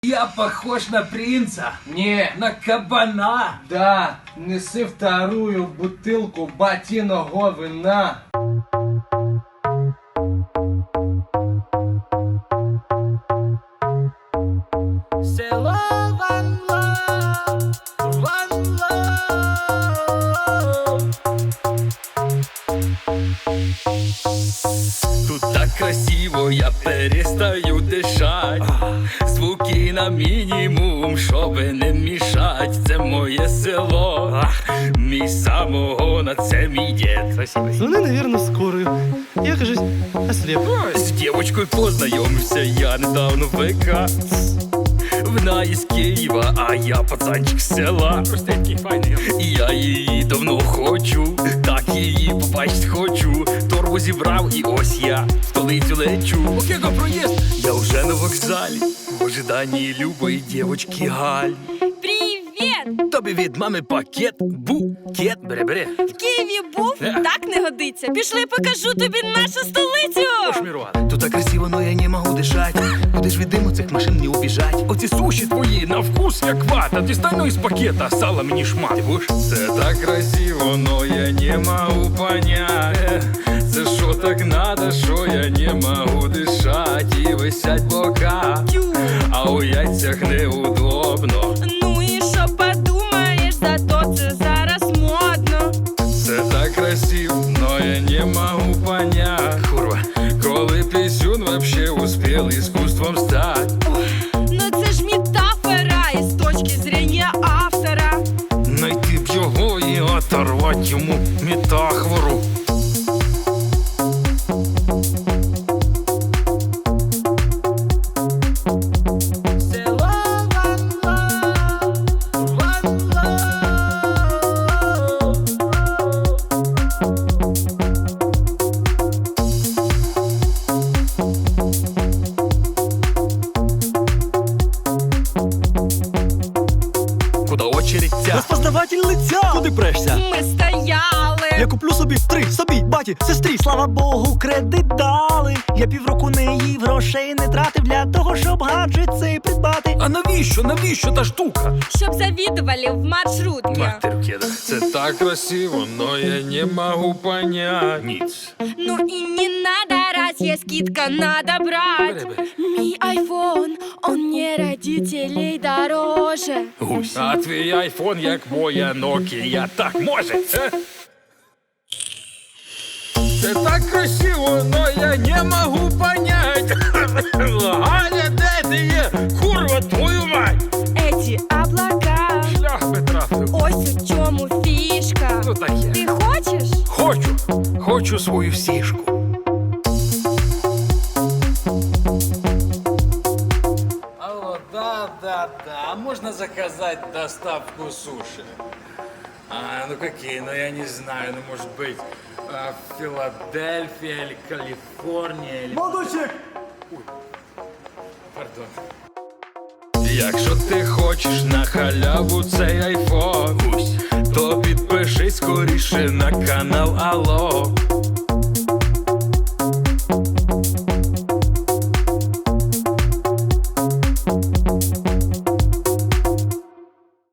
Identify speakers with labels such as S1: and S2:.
S1: Я похож на принца?
S2: Не.
S1: На кабана?
S2: Да, неси вторую бутылку батиного вина.
S3: Село One Love, One Love.
S4: Тут так красиво, я перестаю дишать. Звуки на мінімум, щоби не мішать. Це моє село, мій самогон, а це мій дід.
S5: Звони, наверное, в скорую. Я, кажись, ослеп.
S4: З дівочкою познайомився я недавно в ВК. Вона із Києва, а я пацанчик з села. Простенький, файний. І я її давно хочу, так її побачить хочу. Торбу зібрав і ось я в столицю лечу. Окего проїзд, я вже на вокзалі, в ожиданні любої дівочки Галі.
S6: Привіт!
S4: Тобі від мами пакет, букет, бери.
S6: В Києві був? Так не годиться. Пішли, покажу тобі нашу столицю!
S4: Тут так красиво, но я не можу дишать. Куди ж від диму цих машин не убіжать? Оці суші твої на вкус як вата. Дістану із пакета, сала мені шмат. Ти будеш? Це так красиво, но я не можу понять. Це що так надо, що я не можу дишать. І висять бока, а у яйцях неудобно.
S6: Ну і що подумаєш, зато це зараз модно.
S4: Це так красиво, но я не могу понять. Курва, коли пісюн вообще успел искусством стать.
S6: Ну це ж метафора із точки зрення автора.
S4: Найти б його і оторвать йому метафору.
S3: Село One Love, One Love.
S4: Куда очередь ця?
S5: Розпознаватель лиця! Куди прешся?
S6: Ми стояли.
S5: Я куплю собі три, собі, баті, сестрі. Слава Богу, кредит дали. Я півроку не їв, грошей не тратив для того, щоб гаджет цей придбати.
S4: А навіщо та штука?
S6: Щоб завідували в маршрутки.
S4: Матеркеда, це так красиво, но я не могу понять. Ніц.
S6: Ну і не надо, раз є скидка, надо брать. Мій айфон, он не родителей дороже.
S4: Гусь. А твій айфон, як моя Nokia, так може? Це так красиво, но я не могу понять. Галя, де ти є? Курва, твою мать!
S6: Эти облака,
S4: Шлях би трафив.
S6: ось у чому фішка.
S4: Ну таке.
S6: Ти хочеш?
S4: Хочу свою сішку.
S1: Алло, да. А можно заказать доставку суши? Ну какие? Ну я не знаю, ну может быть Филадельфия или Калифорния или...
S5: Молодочек!
S1: Пардон.
S4: Якщо ти хочеш на халяву цей айфон, то підпишись скоріше на канал Алло.